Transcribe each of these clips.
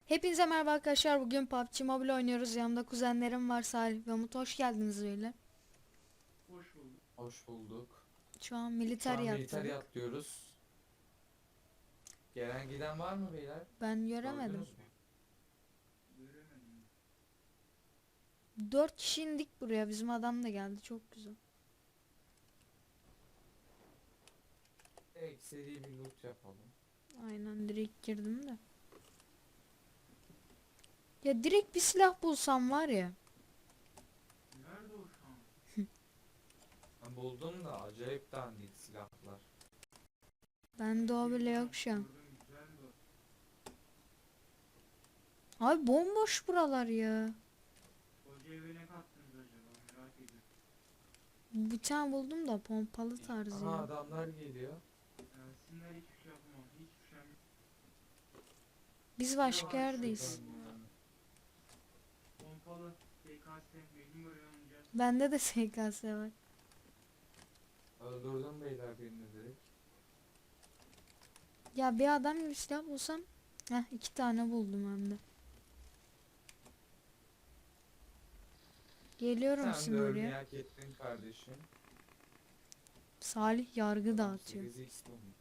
Hepinize merhaba arkadaşlar. Bugün PUBG Mobile oynuyoruz. Yanımda kuzenlerim var, Salih ve Umut. Hoş geldiniz böyle. Hoş bulduk. Hoş bulduk. Şu an Şu an militariye militariye atladık. atlıyoruz. Gelen giden var mı beyler? Ben göremedim. Gördünüz mü? Göremedim. 4 kişi indik buraya. Bizim adam da geldi. Çok güzel. Direkt seri bir loot yapalım. Aynen, direkt girdim de. Ya direkt bir silah bulsam var ya. Nerede o şu an? Ben buldum da acayip dandik silahlar. Bende o bile yok şu an. Gördüm, güzeldi o. Abi bomboş buralar ya. Koca eve ne kattınız acaba, merak ediyorum. Bir tane buldum da pompalı tarzı Aha ya. adamlar geliyor. Gelsinler, hiçbir şey yapamam. Hiçbir şey yapamam. Biz başka yerdeyiz. Şuradan ya. Pompalı, SKS, mecbur böyle oynayacağız. Bende de SKS var. Öldürdüm beyler birini direkt. Ya bir adam gibi silah bulsam. Heh, 2 tane buldum hem de. Geliyorum Sen de şimdi ölmeyi oraya. hak ettin kardeşim. Salih yargı Adam dağıtıyor. 8x bulmuş.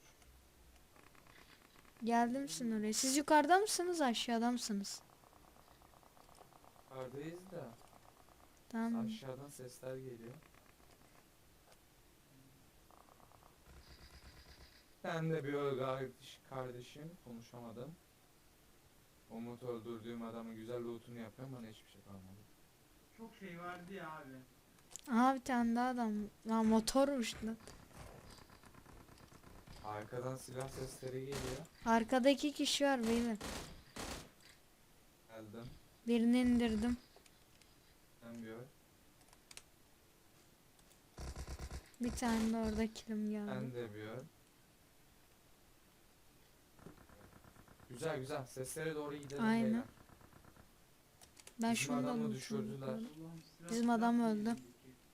Geldim sizin oraya. Siz yukarıda mısınız, aşağıda mısınız? Yukarıdayız da Tamam. aşağıdan sesler geliyor. Sen de bir öl kardeşim. Konuşamadım. Umut öldürdüğüm adamın güzel lootunu yapıyorum, bana hiçbir şey kalmadı. Çok şey vardı ya abi. Aha, bir tane daha adam. Lan motormuş lan. Arkadan silah sesleri geliyor. Arkada 2 kişi var beyler. Geldim. Birini indirdim. Sen gör. Bir tane de orada kilim geldi. Sen de bir gör. Güzel güzel. Seslere doğru gidelim Aynen. beyler. Ben Bizim şunu da adamı unuttum. düşürdüler. Allah'ım, silah Bizim silah adam diye öldü. elindeki.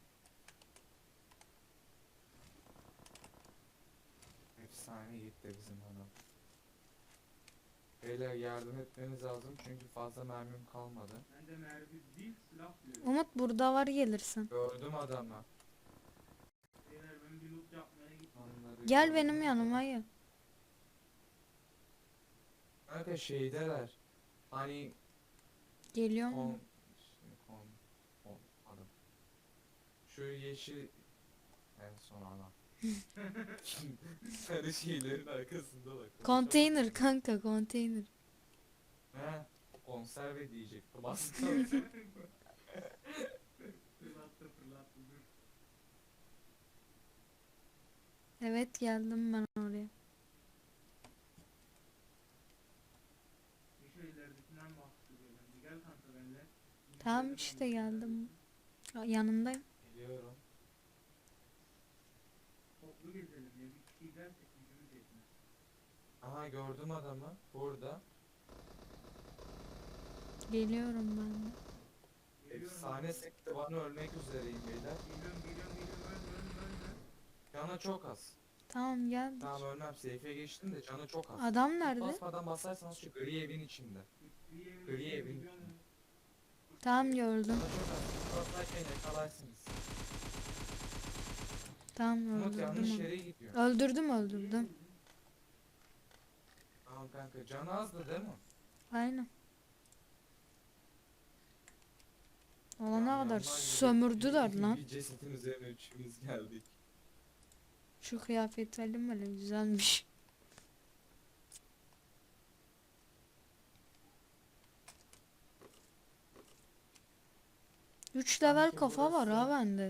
Efsane gitti bizim adam. Beyler yardım etmeniz lazım çünkü fazla mermim kalmadı. Ben de mermi değil, silah diyorum. Umut burada var, gelirsin. Gördüm adamı. Beyler, ben bir loot yapmaya gittim. Onları Gel gördüm. benim yanıma gel. Kanka şeydeler. Hani Geliyor kon... mu? kon... kon... Adam. Şu yeşil... En son ana. Sarı şeylerin arkasında bak. Konteyner kanka, konteyner. He, konserve diyecektim aslında. Fırlattı fırlattı, dur. Evet, geldim ben oraya. Bir şu ileridekinden bahsediyor bence. Gel kanka benimle. Tamam işte, geldim. Yanındayım. Geliyorum. Toplu gezelim ya. Bir kişi gidersek gücümüz yetmez. Aha gördüm adamı. Burada. Geliyorum ben de. Geliyorum Efsane abi. sekti, bana ölmek üzereyim beyler. Geliyorum. Ölme. Canı çok az. Tamam, geldik. Tamam ölmem, safe'e geçtim de canı çok az. Adam nerede? Basmadan basarsanız şu gri evin içinde. Gri evin içinde. Tamam, gördüm. Canı çok az. Basarken yakalarsınız. Tamam, Umut yanlış öldürdüm. yere gidiyor. Öldürdüm. Tamam kanka, canı azdı değil mi? Aynen. Olana Yanlar kadar gibi sömürdüler lan. Bir cesetin üzerine üçümüz geldik. Şu kıyafet alayım, böyle güzelmiş. Üç level Sanki kafa var burası- ha bende.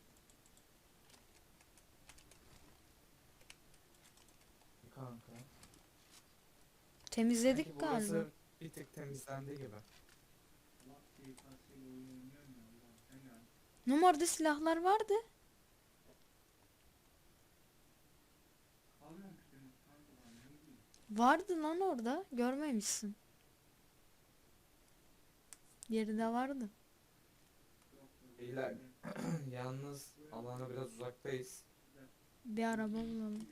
Kanka. Temizledik Sanki galiba. burası bir tık temizlendi gibi. Numarada silahlar vardı. Vardı lan orada. Görmemişsin. Geride vardı. Beyler yalnız alana biraz uzaktayız. Bir araba bulalım.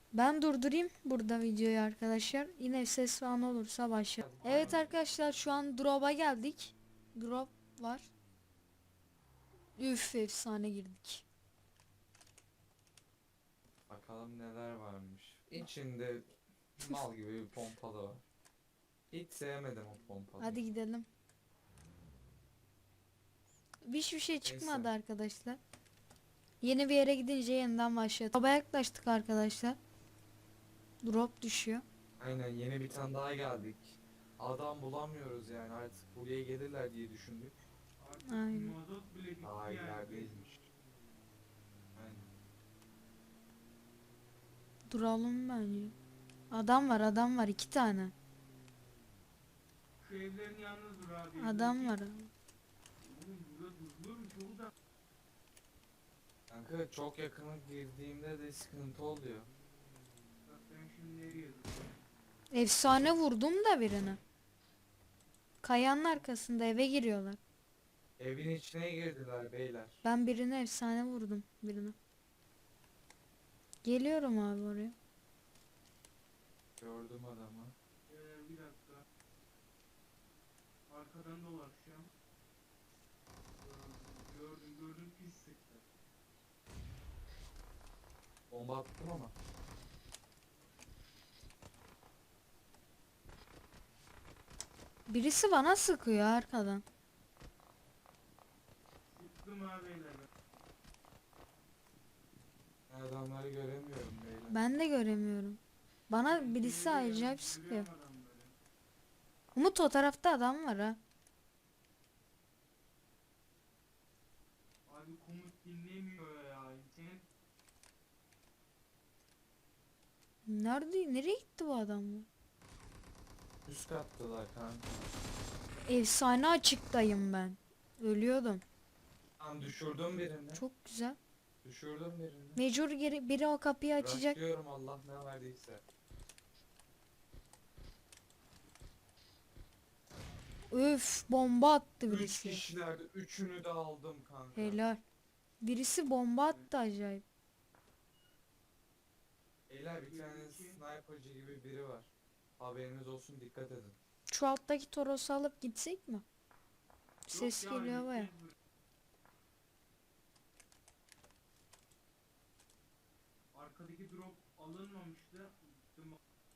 Ben durdurayım burada videoyu arkadaşlar. Yine ses falan olursa başla. Evet arkadaşlar şu an drop'a geldik. Drop var. Üf efsane girdik. Bakalım neler varmış. İçinde mal gibi bir pompalı var. Hiç sevmedim o pompalı. Hadi gidelim. Hiçbir şey çıkmadı Neyse. arkadaşlar. Yeni bir yere gidince yeniden başladı. Drop'a yaklaştık arkadaşlar. Drop düşüyor. Aynen, yeni bir tane daha geldik. Adam bulamıyoruz yani, artık buraya gelirler diye düşündük. Artık Aynen. mazot bile bitti Daha yani. ilerideymiş. Aynen. Duralım bence. Adam var 2 tane. Şu evlerin yanında dur abi. Adam var. Oğlum burada durulur mu? Çok uzak. Kanka çok yakına girdiğimde de sıkıntı oluyor. Bak ben şimdi nereye dur? Efsane vurdum da birini. Kayanın arkasında eve giriyorlar. Evin içine girdiler beyler. Ben birine efsane vurdum birine. Geliyorum abi oraya. Gördüm adamı. Bir dakika. Arkadan dolaşacağım. Gördüm pis sıktı. Bomba attım ama. Birisi bana sıkıyor arkadan. Sıktım abi beyler. Ben adamları göremiyorum beyler. Ben de göremiyorum. Bana birisi acayip sıkıyor. Umut o tarafta adam var ha. Abi komut dinlemiyor ya. Senin Nereye gitti bu adam ya? Üst kattılar kanka. Efsane açıktayım ben. Ölüyordum. Tam düşürdüm birini. Çok güzel. Düşürdüm birini. Mecbur biri o kapıyı açacak. Başlıyorum, Allah ne verdiyse. Öf bomba attı 3 birisi. kişilerdi. Üçünü de aldım kanka. Helal. Birisi bomba attı acayip. Beyler bir tane sniperci gibi biri var. Haberiniz olsun, dikkat edin. Şu alttaki Toros'u alıp gitsek mi? Ses Yok ya, geliyor baya. gideceğiz arkadaki drop alınmamıştı. Gittim.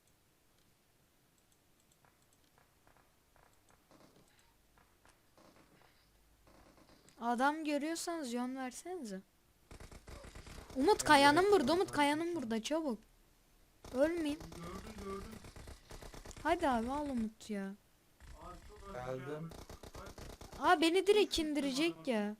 Adam görüyorsanız yön versenize. Umut kayanın burada, Umut kayanın burada çabuk. Ölmeyeyim. Gördüm. Hadi abi al Umut ya. Abi çok az Geldim. Aa beni direkt indirecek ya.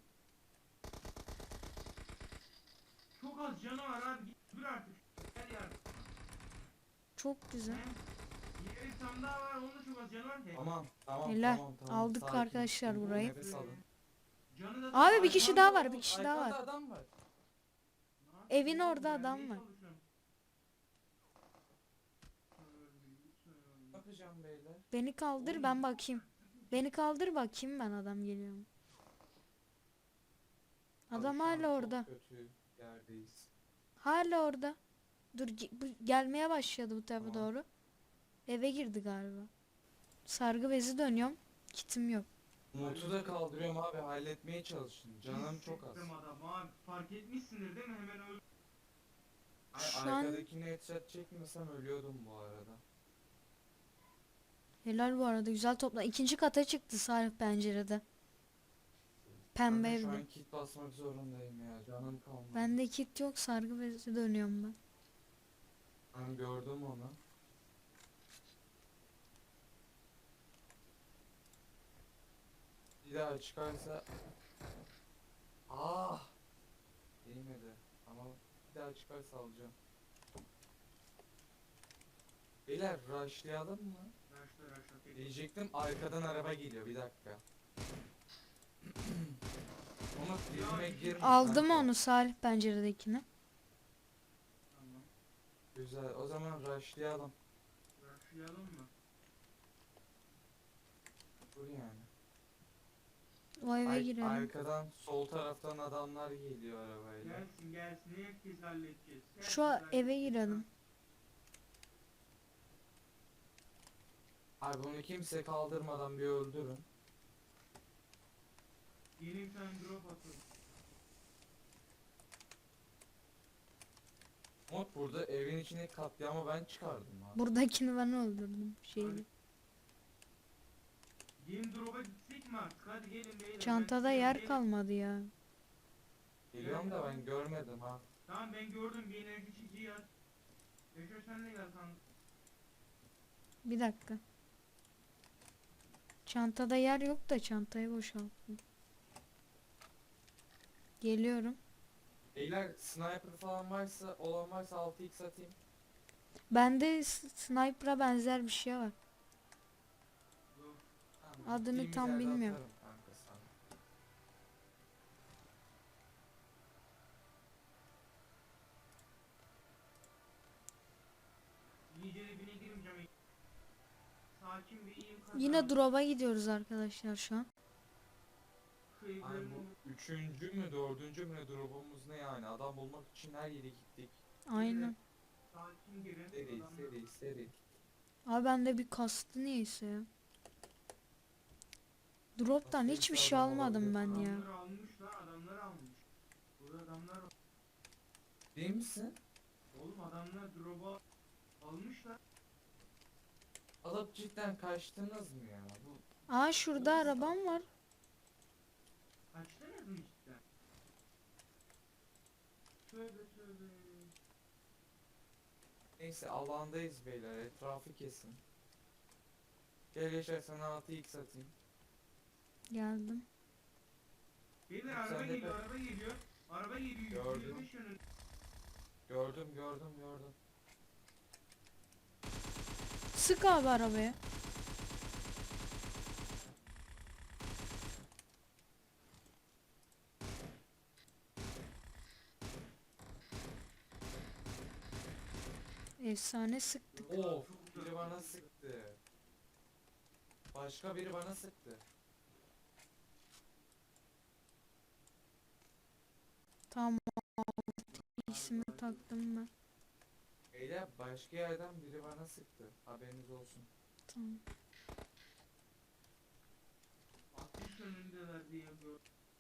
Çok az canı var abi. Git dur artık. Gel ya. Çok güzel. Diğer bir tane daha var. Onun da çok az canı var. Tamam. Helal. Tamam. Aldık Sakin. arkadaşlar burayı. Nefes alın. Canı da Abi bir kişi daha var, Arkanda bir kişi Arkanda daha var. adam var. Evin orada adam var. Ne yapacağım beyler? Beni kaldır ben bakayım. Beni kaldır bakayım ben adam geliyor mu? Adam Abi şu an hala orada. Çok kötü yerdeyiz. Hala orada. Dur gelmeye başladı bu tarafa Tamam. doğru. Eve girdi galiba. Sargı bezi dönüyorum. Kitim yok. Umut'u da kaldırıyorum abi, halletmeye çalışın. Canım çok az. Adam abi fark etmişsindir değil mi? Hemen öldü. Şu an- Arkadakini headshot çekmesem ölüyordum bu arada. Helal bu arada güzel topla. İkinci kata çıktı Salih pencerede. Pembe Ben şu evde. an kit basmak zorundayım ya, canım kalmadı. Bende kit yok, sargı bezi dönüyorum ben. Ben gördüm onu. Bir daha çıkarsa... Ah! Değmedi. Ama bir daha çıkarsa alacağım. Beyler rushlayalım mı? Raşla. Diyecektim, arkadan araba geliyor, bir dakika. Umut dibime girme Aldım kanka. onu Salih penceredekini. Tamam. Güzel, o zaman rushlayalım. Raşlayalım mı? Dur yani. O eve girelim. Arkadan sol taraftan adamlar geliyor arabayla. Gelsin. Herkes halledeceğiz. Şu eve girelim. Abi bunu kimse kaldırmadan bir öldürün. Yeni bir tane drop atıyorum. Umut burada evin içine katliamı ben çıkardım abi. Buradakini ben öldürdüm. Şeyi. Yeni drop'a gitsek mi artık? Hadi gelin beyler. Çantada Ben yer gelin. kalmadı ya. Geliyorum da ben görmedim ha. Tamam ben gördüm, bir enerji çiziği at. Yaşar sen de gel kanka. Bir dakika. Çantada yer yok da çantayı boşalttım. Geliyorum. Beyler sniper falan varsa, olan varsa 6x atayım. Bende sniper'a benzer bir şey var. Yok. Tamam, Adını gittiğimiz tam yerde bilmiyorum. atarım kanka sana. İyice dibine girmeyeceğim. Sakin bir iyiyim kanka. Yine drop'a gidiyoruz arkadaşlar şu an. Şu evlerin Ay bu o- üçüncü mü dördüncü mü ne drop'umuz ne yani, adam bulmak için her yere gittik. Aynen. Sakin girin. Seri Adamlar- seri seri. Abi bende bir kastı niyeyse ya. Drop'tan Nasıl hiçbir bir şey adam almadım ben olabilir? ya. Adamlar almış lan, adamlar almış. Burada adamlar Değil misin? oğlum, adamlar drop'a almışlar. Alıp cidden kaçtınız mı ya? Bu Aa şurada arabam var. Kaçtınız mı cidden? Tövbe tövbe. neyse, alandayız beyler, etrafı kesin. Gel Yaşar, sana 6x atayım. Geldim. Beyler Sen araba de geliyor, be. araba geliyor. Araba geliyor. Gördüm. 125 yönünde. Gördüm. Sık abi arabaya. Efsane sıktık. Of, biri bana sıktı. Başka biri bana sıktı. Tamam. İsmi taktım ben. Beyler başka yerden biri bana sıktı. Haberiniz olsun. Tamam. 60 yönündeler diye gördüm.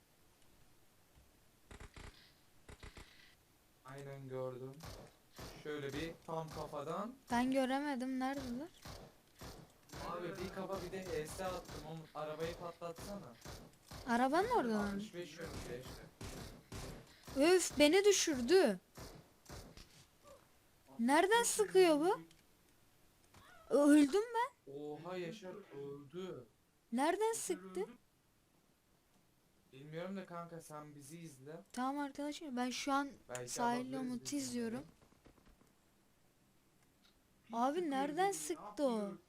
Aynen gördüm. Şöyle bir tam kafadan. Ben göremedim. Neredeler? Abi bir kafa bir de HS attım. Onu arabayı patlatsana. Arabanın orada mı? 65 yönünde işte. Öf beni düşürdü. Nereden sıkıyor bu? Öldüm ben. Oha, Yaşar öldü. Nereden Yaşar sıktı? öldü. Bilmiyorum da kanka, sen bizi izle. Tamam arkadaşlar ben şu an Belki sahilde alabiliriz Umut'u biz izliyorum. onları. Pis Abi sıkıyor nereden bizi. sıktı o? Yapıyor.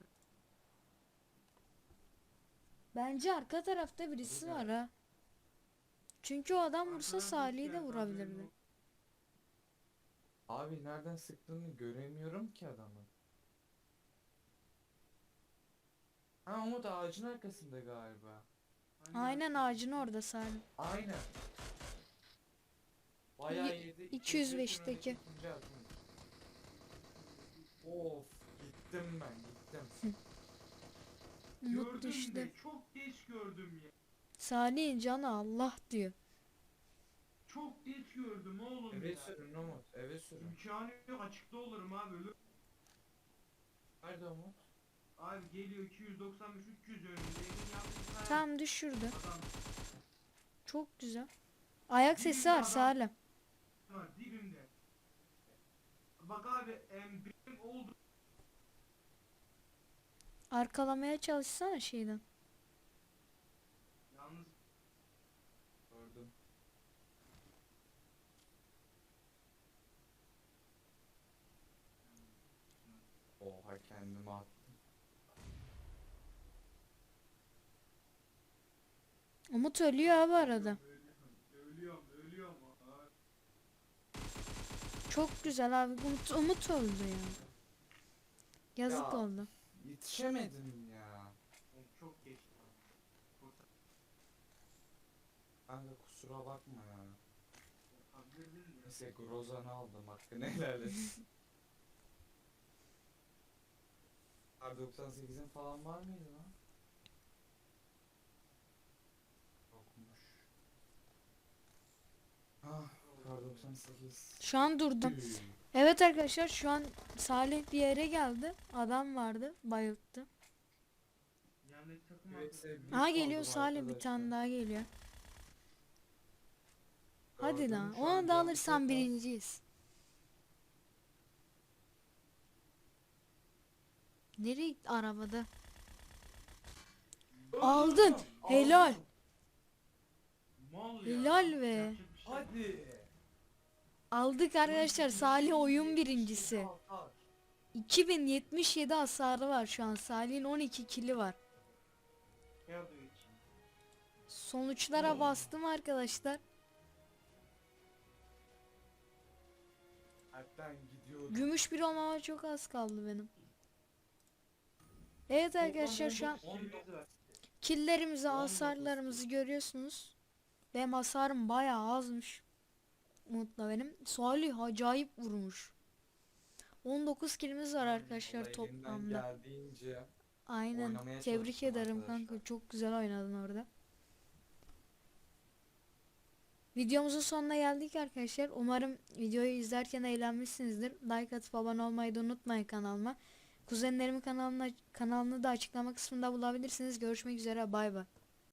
Bence arka tarafta birisi var ha. Çünkü o adam vursa Arkadan Salih'i de ses geldi, haberin vurabilirdi. yok. Abi nereden sıktığını göremiyorum ki adamı. Ha, Umut ağacın arkasında galiba. Hangi Aynen arka- ağacın orada Salih. Aynen. Bayağı Ye- yedi. 205'teki. ikinci atmış. Of, gittim ben, gittim. Umut Gördüm düştü. de çok geç gördüm ya. Salih'in canı Allah diyor. Çok geç gördüm oğlum Eve ya. sürün Umut, eve sürün. İmkanı yok, açıkta olurum abi. Ölür. Nerede Umut? Abi geliyor 295 300 önünde. Evin yanında Tam düşürdü. adam Çok güzel. Ayak sesi Dibinde var adam. Salih. var dibimde. Bak abi benim oldu. Arkalamaya çalışsana şeyden. Yalnız Gördüm. Oha, kendimi attım. Umut ölüyor abi arada. ölüyorum. Abi. Çok güzel abi. Umut öldü ya. Yazık Ya. oldu. Yetişemedim ya. Oğlum çok geçti. Kurtar- Kanka kusura bakma ya. kurtardırdın ya. Neyse, Grozan'ı aldım, hakkını helal et. Kar 98'in falan var mıydı lan? Yokmuş. Ah, Kar 98. Şu an durdum. Evet arkadaşlar şu an Salih bir yere geldi. Adam vardı, bayılttı. Yanındaki takım Evet, arkadaşı. sevgili Aha geliyor oldum Salih, bir arkadaşlar. tane daha geliyor. Hadi Gördüm, lan, şu an onu da canlı alırsan tekrar- birinciyiz. Nereye gitti arabada? Aldın. Helal. Mal ya. Helal be. Yapacak bir şey yok. Hadi. Aldık arkadaşlar, Salih oyun birincisi. 2077 hasarı var şu an. Salih'in 12 kili var. Geldi hiç. Sonuçlara bastım arkadaşlar. Hatta gidiyorum. Gümüş bir olmama çok az kaldı benim. Evet arkadaşlar şu an Kilimiz var. killerimizi, hasarlarımızı görüyorsunuz. Benim hasarım bayağı azmış. Umut'la benim. Salih acayip vurmuş. 19 kilimiz var arkadaşlar Vallahi elimden toplamda. geldiğince Aynen. oynamaya Tebrik çalıştım ederim arkadaşlar. kanka. Çok güzel oynadın orada. Videomuzun sonuna geldik arkadaşlar. Umarım videoyu izlerken eğlenmişsinizdir. Like atıp abone olmayı da unutmayın kanalıma. Kuzenlerimin kanalını da açıklama kısmında bulabilirsiniz. Görüşmek üzere. Bay bay.